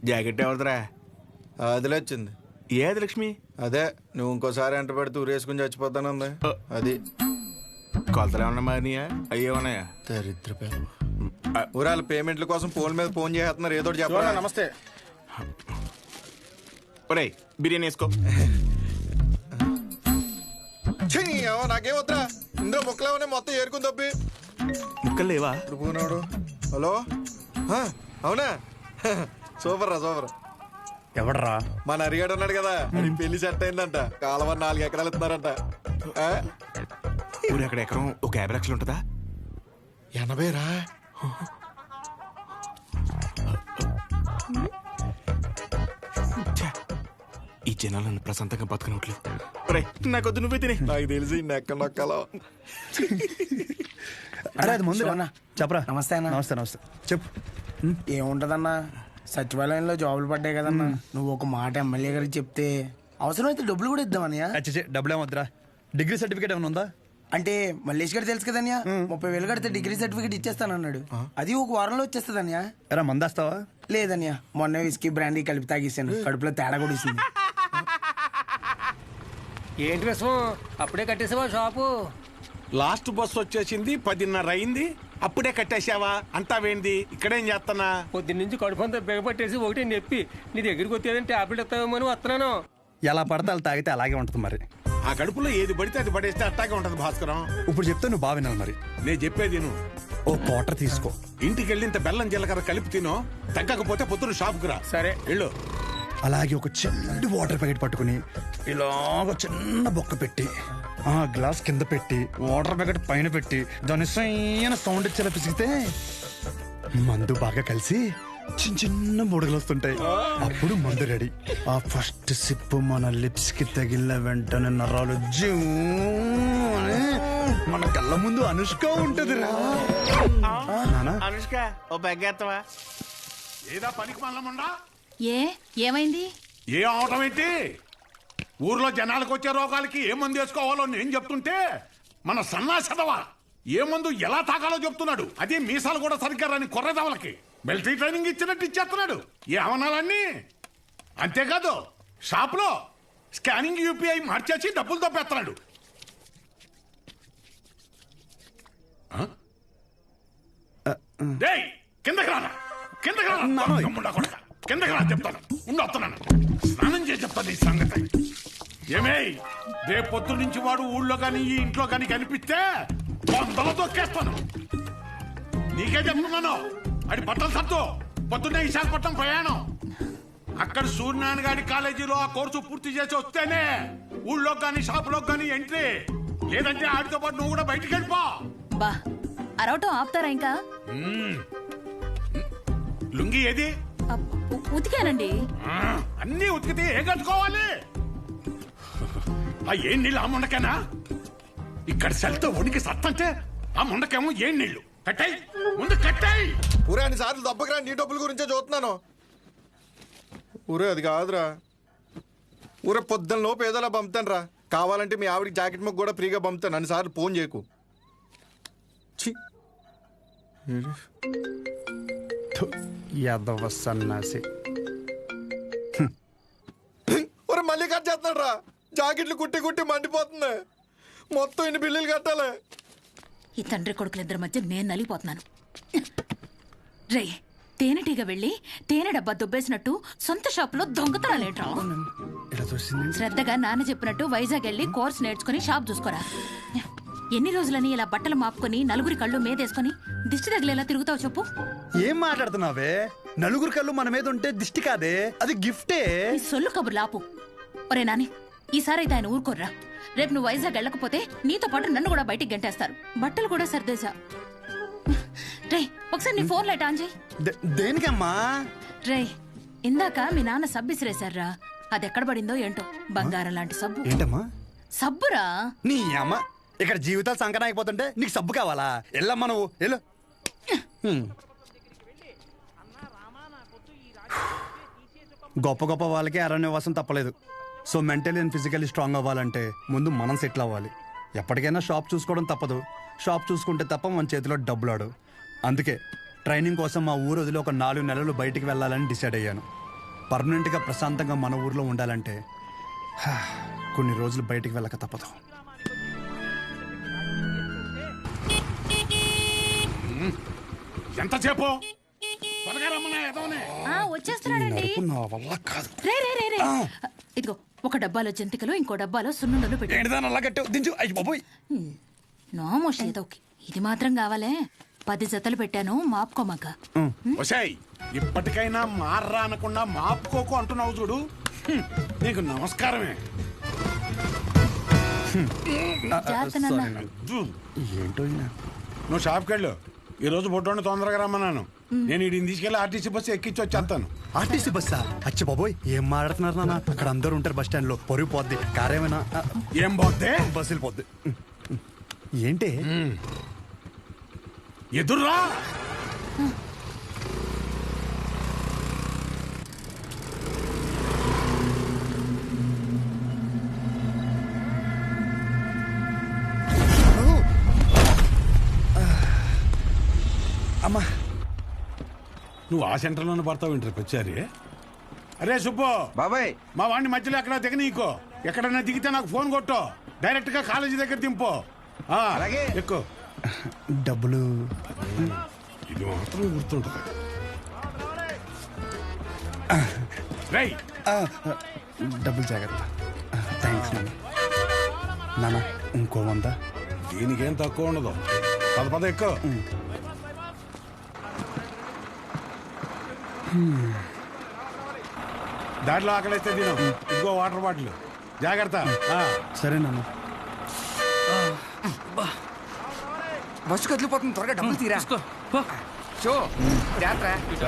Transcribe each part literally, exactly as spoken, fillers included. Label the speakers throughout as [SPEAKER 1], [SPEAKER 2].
[SPEAKER 1] Jacket ఎవరిదిరా?
[SPEAKER 2] అదిలే వచ్చింది.
[SPEAKER 1] ఏది లక్ష్మి?
[SPEAKER 2] అదే నువ్వు ఇంకోసారి ఎంట పెడితే ఊరేసుకుని చచ్చిపోతానుంది. అది
[SPEAKER 1] కొలతలు ఏమన్నా మారినాయా? అయ్యే ఉన్నాయా?
[SPEAKER 2] దరిద్ర ఊరాల పేమెంట్ల కోసం ఫోన్ మీద ఫోన్ చేస్తున్నారు. ఏదో చెప్పరా.
[SPEAKER 3] నమస్తే.
[SPEAKER 1] ఒరేయ్ బిర్యానీ వేసుకో.
[SPEAKER 2] నాకేం వద్దా, ఇందులో ముక్కలేమనే మొత్తం ఏరుకుని తప్పి.
[SPEAKER 1] ముక్కలు లేవా?
[SPEAKER 2] పూనాడు. హలో, అవునా? సూపర్ రా సూపర్.
[SPEAKER 3] ఎవడరా?
[SPEAKER 2] మన అరిగాడు ఉన్నాడు కదా, అది పెళ్లి సెట్ అయిందంట. కాలువ నాలుగు ఎకరాలు ఇస్తున్నారంట.
[SPEAKER 1] ఊరు అక్కడ ఎకరం ఒక యాభై లక్షలు ఉంటుందా?
[SPEAKER 2] ఎనభై రా.
[SPEAKER 1] ఈ జనాలు నన్ను ప్రశాంతంగా బతకనట్లు. నాకొద్దు, నువ్వే తినే.
[SPEAKER 2] నాకు తెలిసి నెక్క నొక్కలో.
[SPEAKER 3] అరే అది ముందు చెప్పరా.
[SPEAKER 4] నమస్తే అన్న.
[SPEAKER 3] నమస్తే నమస్తే చెప్పు.
[SPEAKER 4] ఏముంటదన్నా, సచివాలయంలో జాబులు పడ్డాయి కదన్నా. నువ్వు ఒక మాట ఎమ్మెల్యే గారికి చెప్తే అవసరమైతే డబ్బులు కూడా ఇద్దామన్నయ్య.
[SPEAKER 3] అచ్చే డబ్బులు ఏమొద్దురా. డిగ్రీ సర్టిఫికేట్ ఏమైనా ఉందా?
[SPEAKER 4] అంటే మల్లేష్ గారు తెలుసు కదన్యా, ముప్పై వేలు కడితే డిగ్రీ సర్టిఫికేట్ ఇచ్చేస్తానన్నాడు. అది ఒక వారంలో వచ్చేస్తుందన్యా.
[SPEAKER 3] ఎరా మందేస్తావా?
[SPEAKER 4] లేదన్యా, మొన్న విస్కీ బ్రాండీ కలిపి తాగేసాను. కడుపులో తేడా కూడా ఇస్తుంది.
[SPEAKER 5] ఏంటి విషయం? అప్పుడే కట్టేసావా షాపు?
[SPEAKER 1] లాస్ట్ బస్ వచ్చేసింది, పదిన్నర అయింది, అప్పుడే కట్టేసావా? అంతా వేంది, ఇక్కడేం చేస్తానా?
[SPEAKER 5] పొద్దున్న నుంచి కడుపు అంతా బిగపట్టేసి ఒకటి నొప్పి. నీ దగ్గరికి వచ్చేదని టాబ్లెట్ ఇస్తావేమో అని వస్తున్నాను.
[SPEAKER 3] ఎలా పడితే అలా తాగితే అలాగే ఉంటుంది మరి.
[SPEAKER 1] ఆ కడుపులో ఏది పడితే అది పడేస్తే అట్టాగే ఉంటది భాస్కరం.
[SPEAKER 3] ఇప్పుడు చెప్తే నువ్వు బాగా వినాలి మరి.
[SPEAKER 1] నేను చెప్పేది నువ్వు
[SPEAKER 3] ఓ క్వార్టర్ తీసుకో.
[SPEAKER 1] ఇంటికి వెళ్ళి ఇంత బెల్లం జీలకర్ర కలిపి తినో. తగ్గకపోతే పొద్దున షాప్కి రా.
[SPEAKER 5] సరే
[SPEAKER 1] వెళ్ళు.
[SPEAKER 3] అలాగే ఒక చిన్న వాటర్ ప్యాకెట్ పట్టుకుని ఇలాగ చిన్న బొక్క పెట్టి ఆ గ్లాస్ కింద పెట్టి వాటర్ ప్యాకెట్ పైన పెట్టి దాని సైన సౌండ్ ఇచ్చేలా పిసిగితే మందు బాగా కలిసి చిన్న చిన్న బుడగలు వస్తుంటాయి. అప్పుడు మందు రెడీ. ఆ ఫస్ట్ సిప్ మన లిప్స్ కి తగిలిన వెంటనే నరాలు జూ అని మన కళ్ళ ముందు అనుష్క ఉంటది రా.
[SPEAKER 1] అనుష్క ఓ బెగ్గేత్తవా? ఏదా పనికి మల్లముండా?
[SPEAKER 6] ఏ ఏమైంది?
[SPEAKER 1] ఏ అవటం ఏంటి? ఊర్లో జనాలకు వచ్చే రోగాలకి ఏ మందు వేసుకోవాలో నేను చెప్తుంటే మన సన్నాసదవా ఏ మందు ఎలా తాగాలో చెప్తున్నాడు. అదే మీసాలు కూడా సరిగ్గా రాని కొర్రదవలకి మిలిటరీ ట్రైనింగ్ ఇచ్చినట్టు ఇచ్చేస్తున్నాడు. ఏ అవనాలన్నీ అంతేకాదు, షాప్లో స్కానింగ్ యూపీఐ మార్చేసి డబ్బులు తప్పేస్తున్నాడు. కిందకి రానా, కిందకి రానా, కిందకి రా చెప్తాను. ఉండొస్తున్నాను, స్నానం చేసి చెప్తాను ఈ సంగతి. ఏమే రేపు పొద్దు నుంచి వాడు ఊళ్ళో కానీ ఈ ఇంట్లో కానీ కనిపిస్తే వందలు తొక్కేస్తాను. నీకే చెప్తున్నాను. అది బట్టలు సత్తు పొద్దున్నే విశాఖపట్నం ప్రయాణం. అక్కడ సూర్యనారాయణ గారి కాలేజీలో ఆ కోర్సు పూర్తి చేసి వస్తేనే ఊళ్ళో కానీ షాపులో కానీ ఎంట్రీ. లేదంటే ఆడితో పాటు నువ్వు కూడా బయటికి వెళ్ళిపో.
[SPEAKER 6] బా అరవటం ఆపుతారా ఇంకా?
[SPEAKER 1] లుంగి ఏది?
[SPEAKER 6] ఉతికానండి.
[SPEAKER 1] అన్నీ ఉతికితే ఏం కట్టుకోవాలి? ఆ ఏం నీళ్ళు ఆ ముండకేనా? ఇక్కడ సెల్తో ఉనికి సత్తంటే ఆ ముండకేమో ఏం నీళ్లు? కట్టాయి ముందు కట్టాయి.
[SPEAKER 2] ఊరే అన్ని సార్లు దెబ్బకిరా, నీ డబ్బుల గురించే చూస్తున్నాను. ఊరే అది కాదురా. ఊరే పొద్దున్న లోపు ఏదోలా పంపుతాను రా. కావాలంటే మీ ఆవిడకి జాకెట్ మొక్క కూడా ఫ్రీగా పంపుతాను. అన్ని సార్లు ఫోన్ చేయకు.
[SPEAKER 3] యాదవ సన్నాసి.
[SPEAKER 2] ఒరే మళ్ళీ కట్ చేస్తున్నాడు రా. జాకెట్లు కుట్టి కుట్టి మండిపోతుంది. మొత్తం ఇన్ని బిల్లులు కట్టాలి.
[SPEAKER 6] ఈ తండ్రి కొడుకులిద్దరి మధ్య నేను నలిగిపోతున్నాను. రే తేనెటీగ వెళ్ళి తేనె డబ్బా దుబ్బేసినట్టు సొంత షాపులో దొంగతనాలేంట్రా? శ్రద్ధగా నాన్న చెప్పినట్టు వైజాగ్ వెళ్ళి కోర్స్ నేర్చుకుని షాప్ చూసుకోరా. ఎన్ని రోజులని ఇలా బట్టలు మాపుకొని నలుగురి కళ్ళు మీదేసుకొని దిష్టి తగిలేలా తిరుగుతావు చెప్పు?
[SPEAKER 3] ఏం మాట్లాడుతున్నావే? నలుగురి కళ్ళు మన మీద ఉంటే దిష్టి కాదే, అది గిఫ్టే.
[SPEAKER 6] ఈ సొల్లు కబుర్లు ఆపు. ఒరే నాని, ఈసారి అయితే ఆయన ఊరుకోర్రా. రేపు నువ్వు వైజాగ్ వెళ్ళకపోతే నీతో పాటు నన్ను కూడా బయటికి గంటేస్తారు. బట్టలు కూడా సర్దేశా. రే ఒకసారి నీ ఫోన్ లైట్ ఆన్ చేయి.
[SPEAKER 3] దేనికమ్మా?
[SPEAKER 6] రే ఇందాక మీ నాన్న సబ్బు ఇసిరేశారా, అది ఎక్కడ పడిందో ఏంటో. బంగారం లాంటి సబ్బు.
[SPEAKER 3] ఏంటమ్మా?
[SPEAKER 6] సబ్బురా.
[SPEAKER 3] నీ అమ్మ, ఇక్కడ జీవితాలు సంకటం అయిపోతుంటే నీకు సబ్బు కావాలా? వెళ్ళమ్మా నువ్వు వెళ్ళు. గొప్ప గొప్ప వాళ్ళకి అరణ్యవాసం తప్పలేదు. So mentally and physically strong అవ్వాలంటే ముందు మనం సెటిల్ అవ్వాలి. ఎప్పటికైనా షాప్ చూసుకోవడం తప్పదు. షాప్ చూసుకుంటే తప్ప మన చేతిలో డబ్బులాడు. అందుకే ట్రైనింగ్ కోసం మా ఊరు వదిలి ఒక నాలుగు నెలలు బయటికి వెళ్ళాలని డిసైడ్ అయ్యాను. పర్మనెంట్గా ప్రశాంతంగా మన ఊర్లో ఉండాలంటే హా, కొన్ని రోజులు బయటికి వెళ్ళక తప్పదు.
[SPEAKER 1] ఎంతసేపు త్వరగా రమ్మన్నా ఎదవనే.
[SPEAKER 6] ఆ, వచ్చేస్తున్నాడండి.
[SPEAKER 3] నడుపు నా వల్ల కాదు.
[SPEAKER 6] రే రే రే రే ఇదిగో ఒక డబ్బాలో జంతికలు ఇంకో డబ్బాలో సున్నుండలు పెట్టు.
[SPEAKER 3] ఏంటిదాని అలా కట్టావు? దించు. అయ్యి బాబోయ్.
[SPEAKER 6] నోమోష్ ఏదోకి ఇది మాత్రం కావాలే. పది జతలు పెట్టాను మాపుకోమాక.
[SPEAKER 1] ఒసేయ్ ఇప్పటికైనా మార్రా అనకుండా మాపుకోకు అంటున్నావు చూడు. హ్మ్, నీకు నమస్కారమే.
[SPEAKER 6] జాగ్రత్త నాన్న.
[SPEAKER 1] జూ,
[SPEAKER 3] ఏంటో ఈయన.
[SPEAKER 1] నువ్వు షాప్కి వెళ్ళు. ఈ రోజు బొడ్డోని తొందరగా రమ్మన్నాను. నేను వీడిని తీసుకెళ్ళి ఆర్టీసీ బస్సు ఎక్కించి వచ్చేస్తాను.
[SPEAKER 3] ఆర్టీసీ బస్సా? అచ్చి బాబోయ్, ఏం మాట్లాడుతున్నారు నాన్న? అక్కడ అందరూ ఉంటారు బస్ స్టాండ్ లో. పొరుగు పోద్ది. కారేమైనా
[SPEAKER 1] ఏం పోతే
[SPEAKER 3] బస్సు వెళ్ళిపోద్ది. ఏంటి
[SPEAKER 1] ఎదుర్రా.
[SPEAKER 3] అమ్మా,
[SPEAKER 1] నువ్వు ఆ సెంటర్లోనే పడతావు ఇంటర్ వచ్చారి. అరే సుబ్బు
[SPEAKER 7] బాబాయ్,
[SPEAKER 1] మా వాడిని మధ్యలో ఎక్కడ దిగ నీకో. ఎక్కడన్నా దిగితే నాకు ఫోన్ కొట్టు. డైరెక్ట్ గా కాలేజీ దగ్గర దింపు. ఆ,
[SPEAKER 7] అలాగే.
[SPEAKER 1] ఎక్కువ
[SPEAKER 3] డబ్బులు
[SPEAKER 1] ఇది మాత్రం గుర్తుంటుంది. రై
[SPEAKER 3] ఆ, డబ్బులు జాగ్రత్త. థ్యాంక్స్ నాన్న. నాన్న ఇంకో వంద.
[SPEAKER 1] దీనికేం తక్కువ ఉండదు. పద పద ఎక్కువ. దాంట్లో ఆకలిస్తే తిను. ఇదిగో వాటర్ బాటిల్. జాగ్రత్త. ఆ.
[SPEAKER 3] సరే నాన్న.
[SPEAKER 7] బస్సు కదిలిపోతుంది, త్వరగా డబ్బులు తీరా. షో జాగ్రత్త.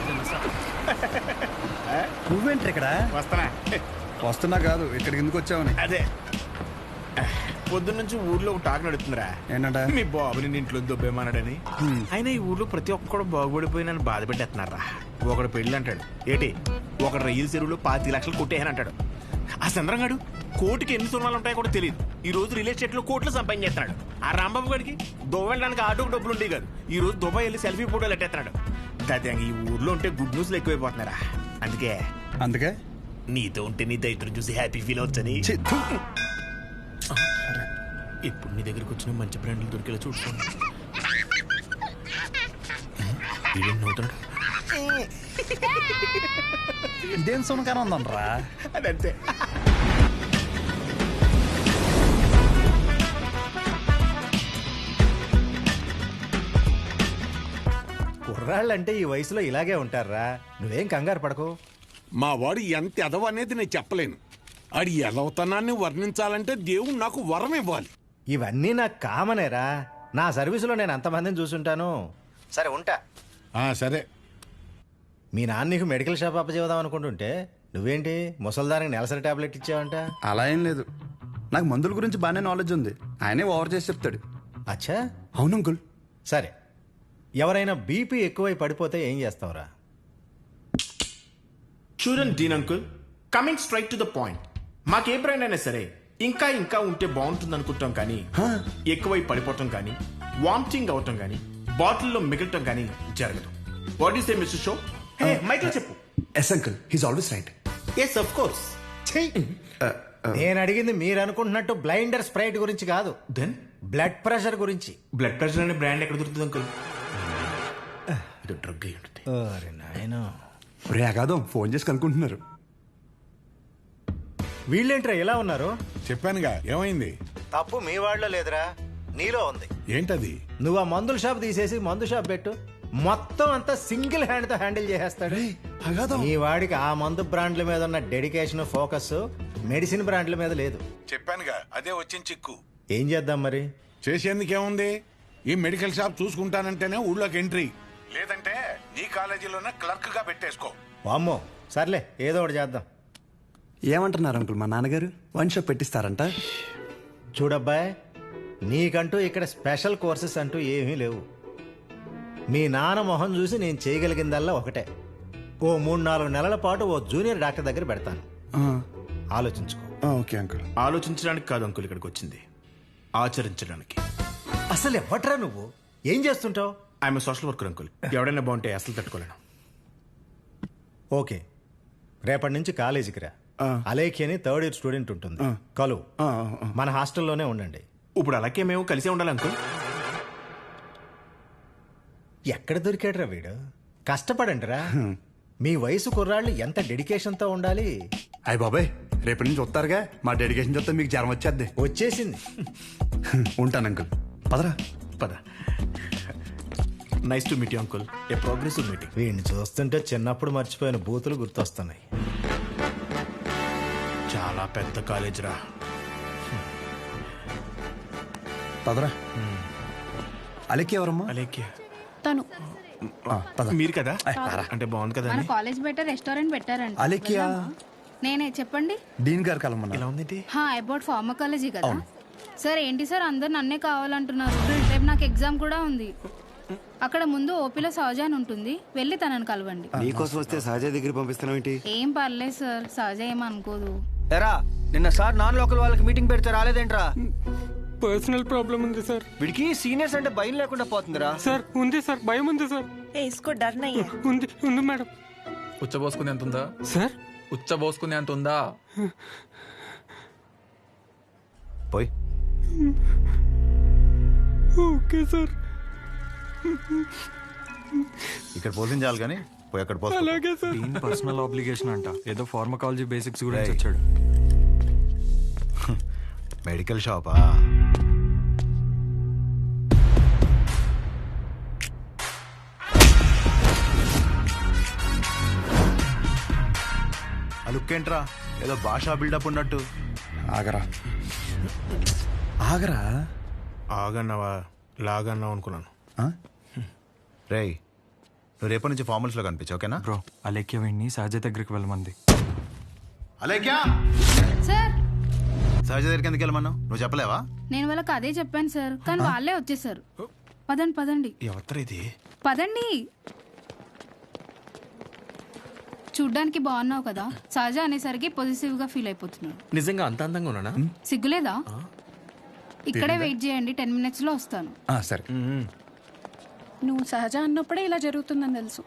[SPEAKER 3] నువ్వేంటి ఇక్కడ?
[SPEAKER 1] వస్తానా?
[SPEAKER 3] వస్తున్నా కాదు, ఇక్కడికి ఎందుకు వచ్చావని.
[SPEAKER 2] అదే పొద్దున్నుంచి ఊర్లో ఒక టాక్ నడుతుందిరా.
[SPEAKER 3] ఏంటంట?
[SPEAKER 2] మీ బాబుని నీ ఇంట్లో దొబ్బేమన్నాడని. అయినా ఈ ఊర్లో ప్రతి ఒక్కడు బాగుపడిపోయినని బాధ పెట్టేస్తున్నారా. ఒకడు పెళ్ళి అంటాడు ఏటి, ఒకడు రైలు చెరువులో పాతి లక్షలు కొట్టేయని అంటాడు. ఆ చంద్రంగాడు కోటికి ఎన్ని సున్నాలు ఉంటాయో కూడా తెలియదు. ఈ రోజు రియల్ ఎస్టేట్ లో కోట్లు సంపాదించేస్తున్నాడు. ఆ రాంబాబు గడికి దుబాయ్ వెళ్ళడానికి ఆటోకి డబ్బులు ఉండేవి కాదు. ఈ రోజు దుబాయ్ వెళ్ళి సెల్ఫీ ఫోటోలు ఎట్టేస్తున్నాడు. దాదాపు ఈ ఊర్లో ఉంటే గుడ్ న్యూస్లు ఎక్కువైపోతున్నారా. అందుకే
[SPEAKER 3] అందుకే
[SPEAKER 2] నీతో ఉంటే నీ దైత్రం చూసి హ్యాపీ ఫీల్ అవచ్చని.
[SPEAKER 3] ఛీ, థు.
[SPEAKER 2] ఇప్పుడు నీ దగ్గరకు వచ్చిన మంచి బ్రాండ్లు దొరికేలా చూసుకోండి. నవ్వుతాడు.
[SPEAKER 3] ఇదేం సునకారం ఉందనరా?
[SPEAKER 2] అదంతే.
[SPEAKER 8] కుర్రాళ్ళంటే ఈ వయసులో ఇలాగే ఉంటారా. నువ్వేం కంగారు పడకు.
[SPEAKER 1] మా వాడు ఎంత ఎదవ అనేది నేను చెప్పలేను. ఆడి ఎదవతనాన్ని వర్ణించాలంటే దేవుడు నాకు వరం ఇవ్వాలి.
[SPEAKER 8] ఇవన్నీ నాకు కామనేరా. నా సర్వీసులో నేను అంతమందిని చూసుంటాను. సరే ఉంటా.
[SPEAKER 1] ఆ సరే.
[SPEAKER 8] మీ నాన్న నీకు మెడికల్ షాప్ అప్పచేద్దాం అనుకుంటుంటే నువ్వేంటి ముసల్దానికి నెలసరి టాబ్లెట్ ఇచ్చావంట?
[SPEAKER 3] అలా ఏం లేదు, నాకు మందుల గురించి బాగానే నాలెడ్జ్ ఉంది. ఆయనే ఓవర్ చేసి చెప్తాడు.
[SPEAKER 8] అచ్చా,
[SPEAKER 3] అవును అంకుల్.
[SPEAKER 8] సరే. ఎవరైనా బీపీ ఎక్కువై పడిపోతే ఏం చేస్తావురా?
[SPEAKER 2] చూడండి Dean uncle, coming straight to the point. మాకే బ్రాండ్ అయినా సరే ఇంకా ఇంకా ఉంటే బాగుంటుంది అనుకుంటాం, కానీ ఎక్కువై పడిపోవటం కానీ వామిటింగ్ అవటం కానీ బాటిల్లో మిగలటం కానీ జరగదు. What is a mister show? మైక్లో చెప్పు.
[SPEAKER 3] Yes uncle, he's always right.
[SPEAKER 2] Yes of course.
[SPEAKER 8] నేను అడిగింది మీరు అనుకుంటున్నట్టు బ్లైండర్ స్ప్రైట్ గురించి కాదు,
[SPEAKER 2] దెన్
[SPEAKER 8] బ్లడ్ ప్రెషర్ గురించి.
[SPEAKER 2] బ్లడ్ ప్రెషర్ అనే బ్రాండ్ ఎక్కడ దొరుకుతుంది అంకుల్? ఇది డ్రగ్ అయి ఉంటుంది.
[SPEAKER 8] అరే నాయనా,
[SPEAKER 3] రే అగాదం ఫోన్ చేసి కనుక్కుంటున్నారు.
[SPEAKER 8] వీళ్ళేంట్రా ఇలా ఉన్నారు?
[SPEAKER 1] చెప్పానుగా ఏమైంది.
[SPEAKER 8] తప్పు మీ వాళ్ళలో లేదురా, నీలో ఉంది.
[SPEAKER 1] ఏంటది?
[SPEAKER 8] నువ్వు ఆ మందుల షాప్ తీసేసి మందు షాప్ పెట్టు, మొత్తం అంతా సింగిల్ హ్యాండ్ తో హ్యాండిల్ చేసేస్తాడు.
[SPEAKER 3] అగాదం
[SPEAKER 8] ఈ వాడికి ఆ మందు బ్రాండ్ల మీద ఉన్న డెడికేషన్, ఫోకస్ మెడిసిన్ బ్రాండ్ల మీద లేదు.
[SPEAKER 1] చెప్పానుగా అదే వచ్చిన చిక్కు.
[SPEAKER 8] ఏం చేద్దాం మరి?
[SPEAKER 1] చేసేందుకేముంది, ఈ మెడికల్ షాప్ చూసుకుంటానంటేనే ఊళ్ళోకి ఎంట్రీ, లేదంటే నీ కాలేజీలోనే క్లర్క్ గా పెట్టేసుకో.
[SPEAKER 8] వామ్మో, సర్లే ఏదో ఒకటి చేద్దాం.
[SPEAKER 3] ఏమంటున్నారు అంకుల్? మా నాన్నగారు వన్ షాప్ పెట్టిస్తారంట.
[SPEAKER 8] చూడబ్బాయ్, నీకంటూ ఇక్కడ స్పెషల్ కోర్సెస్ అంటూ ఏమీ లేవు. మీ నాన్న మొహం చూసి నేను చేయగలిగిందల్లా ఒకటే, ఓ మూడు నాలుగు నెలల పాటు ఓ జూనియర్ డాక్టర్ దగ్గర పెడతాను. ఆలోచించుకో.
[SPEAKER 3] Okay uncle.
[SPEAKER 2] ఆలోచించడానికి కాదు అంకుల్ ఇక్కడికి వచ్చింది, ఆచరించడానికి.
[SPEAKER 8] అసలు ఎవట్రా నువ్వు? ఏం చేస్తుంటావు?
[SPEAKER 2] I'm social worker uncle. ఎవడైనా బాగుంటే అసలు తట్టుకోలేను.
[SPEAKER 8] ఓకే, రేపటి నుంచి కాలేజీకి రా. అలేఖి అని థర్డ్ ఇయర్ స్టూడెంట్ ఉంటుంది, కలువు. మన హాస్టల్లోనే ఉండండి.
[SPEAKER 2] ఇప్పుడు అలాగే మేము కలిసే ఉండాలి అంకుల్.
[SPEAKER 8] ఎక్కడ దొరికాడురా వీడు? కష్టపడండిరా. మీ వయసు కుర్రాళ్ళు ఎంత డెడికేషన్తో ఉండాలి.
[SPEAKER 3] అయ్య బాబాయ్, రేపటి నుంచి వస్తారుగా, మా డెడికేషన్ చూస్తే మీకు జ్వరం వచ్చేద్ది.
[SPEAKER 8] వచ్చేసింది.
[SPEAKER 3] ఉంటాను అంకుల్. పదరా.
[SPEAKER 2] పద. Nice to meet you uncle. A progressive meeting.
[SPEAKER 8] వీడిని చూస్తుంటే చిన్నప్పుడు మర్చిపోయిన బూతులు గుర్తొస్తున్నాయి.
[SPEAKER 2] చాలా పెద్ద కాలేజ్ రా.
[SPEAKER 3] పదరా. అలెక్కి ఎవరమ్మా?
[SPEAKER 2] అలేఖ్య
[SPEAKER 9] తను
[SPEAKER 2] మీరు కదా? అంటే బాగుంది కదా
[SPEAKER 9] మన
[SPEAKER 2] అని.
[SPEAKER 9] కాలేజ్ బయట రెస్టారెంట్ పెట్టారంట.
[SPEAKER 3] అలెక్కియా?
[SPEAKER 9] నేనే చెప్పండి.
[SPEAKER 3] డీన్ గారు కలమన్నా.
[SPEAKER 2] ఎలా ఉంది?
[SPEAKER 9] హా అబౌట్ ఫార్మకాలజీ కదా సార్. ఏంటి సార్ అందరు నన్నే కావాలంటున్నారు? రేపు నాకు ఎగ్జామ్ కూడా ఉంది. అక్కడ ముందు ఓపీలో సహజ అని ఉంటుంది, వెళ్ళి తనని కలవండి.
[SPEAKER 10] నీకోసం వస్తే సహజ దగ్గర పంపిస్తున్నావు ఏంటి?
[SPEAKER 9] ఏం పర్లేదు సార్, సహజ ఏమనుకోదు.
[SPEAKER 10] ఎరా నిన్న సార్ నాన్ లోకల్ వాళ్ళకి మీటింగ్ పెడితే రాలేదేంట్రా?
[SPEAKER 5] పర్సనల్ ప్రాబ్లం ఉంది సార్.
[SPEAKER 10] వీడికి సీనియర్స్ అంటే భయం లేకుండా పోతుందిరా.
[SPEAKER 5] సార్ ఉంది సార్, భయం ఉంది సార్.
[SPEAKER 11] इसको डर नहीं है।
[SPEAKER 5] ఉంది ఉంది మేడం.
[SPEAKER 12] ఉచ్చబోసుకునే అంత ఉందా
[SPEAKER 5] సార్?
[SPEAKER 12] ఉచ్చబోసుకునే అంత ఉందా?
[SPEAKER 3] పోయి.
[SPEAKER 5] Okay sir.
[SPEAKER 3] ఇక్కడ పోషించాలి కానీ పోయి అక్కడ పోస్తా.
[SPEAKER 5] అలాగే సార్.
[SPEAKER 12] దీని పర్సనల్ ఆబ్లిగేషన్ అంట. ఏదో ఫార్మకాలజీ బేసిక్స్ గురించి వచ్చాడు.
[SPEAKER 3] మెడికల్ షాపా? అలుక్కేంట్రా ఏదో భాషా బిల్డప్ ఉన్నట్టు.
[SPEAKER 2] ఆగరా.
[SPEAKER 3] ఆగరా.
[SPEAKER 2] ఆగన్నావా లాగన్నావు అనుకున్నాను.
[SPEAKER 3] రేయ్, నువ్వు రేపటి నుంచి ఫార్మల్స్ లో కనిపించు, ఓకేనా?
[SPEAKER 12] బ్రో అలేఖ్య వీడిని సహజ దగ్గరికి వెళ్ళమంది.
[SPEAKER 3] అలేఖ్యా,
[SPEAKER 9] సార్
[SPEAKER 3] సహజ దగ్గరికి ఎందుకు వెళ్ళమన్నావు? నువ్వు చెప్పలేవా?
[SPEAKER 9] నేను వాళ్ళకి అదే చెప్పాను సార్, కానీ వాళ్ళే వచ్చేసారు. పదండి పదండి
[SPEAKER 2] ఎవరు ఇది?
[SPEAKER 9] పదండి. చూడ్డానికి బాగున్నావు కదా, సహజ అనేసరికి పొజిటివ్ గా ఫీల్ అయిపోతున్నాడు.
[SPEAKER 2] నిజంగా అంత అందంగా ఉన్నానా?
[SPEAKER 9] సిగ్గులేదా? ఇక్కడే వెయిట్ చేయండి, టెన్ మినిట్స్ లో వస్తాను.
[SPEAKER 3] సరే.
[SPEAKER 11] నువ్వు సహజ అన్నప్పుడే ఇలా జరుగుతుందని తెలుసు.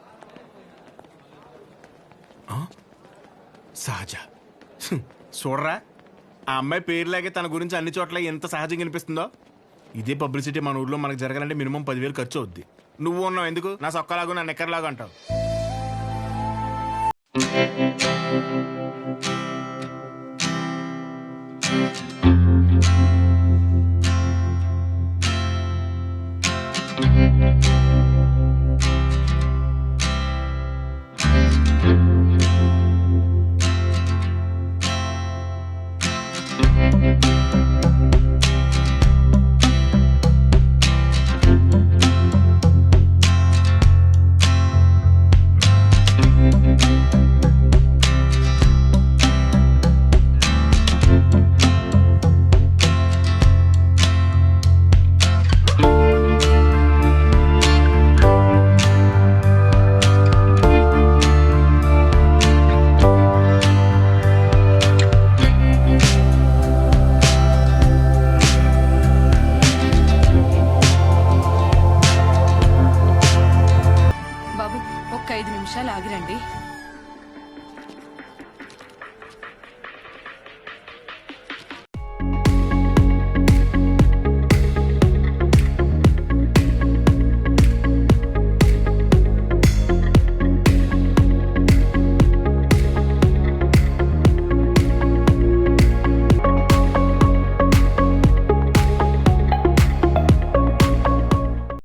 [SPEAKER 2] సహజ చూడరా, ఆ అమ్మాయి పేరులాగే తన గురించి అన్ని చోట్ల ఎంత సహజంగా అనిపిస్తుందో. ఇదే పబ్లిసిటీ మన ఊర్లో మనకు జరగాలంటే మినిమం పదివేలు ఖర్చు అవుద్ది. నువ్వు ఉన్నావు ఎందుకు? నా సొక్కలాగా నా నెక్కర్లాగా అంటావు.